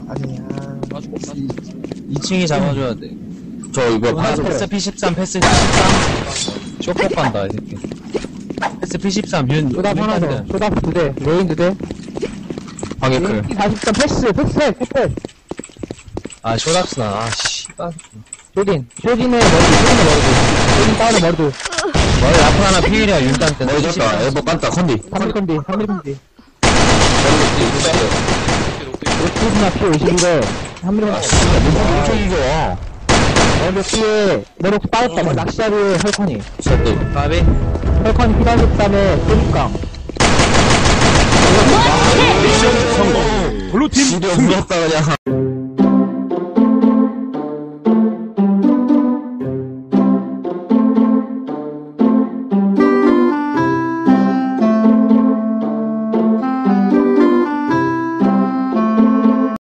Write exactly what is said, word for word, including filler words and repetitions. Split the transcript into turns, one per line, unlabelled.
아니야.
이 층이 잡아줘야 돼.
저 이거
아, 패스 피십삼, 패스 피십삼. 쇼폭 간다, 이 새끼. 패스 피십삼, 윤.
쇼답
윤
하나 더.
깐다.
쇼답 두 대. 레인 두 대.
방해클.
사십삼 패스, 패스, 패스.
아, 쇼답스나. 아, 씨발.
쇼딘. 쇼딘의 머리, 쇼딘의 머리도. 쇼딘 다운의 머리도.
머리 앞에 하나 피일이야, 윤단 때.
머리 잡다. 엘보 깐다. 컨디.
삼 일 컨디, 삼 일 컨디.
머리
쇼딘아 피 오십일에 삼 일
아,
컨디.
씨발. 무슨 엄청 이겨.
먼저 피에 내려서 빠졌다. 뭐 낚시하루에 헐커니.
셔츠.
까비?
헐커니 피 다섯다음에 소립강.
미션 성공. 블루팀
시도 없었다, 그냥.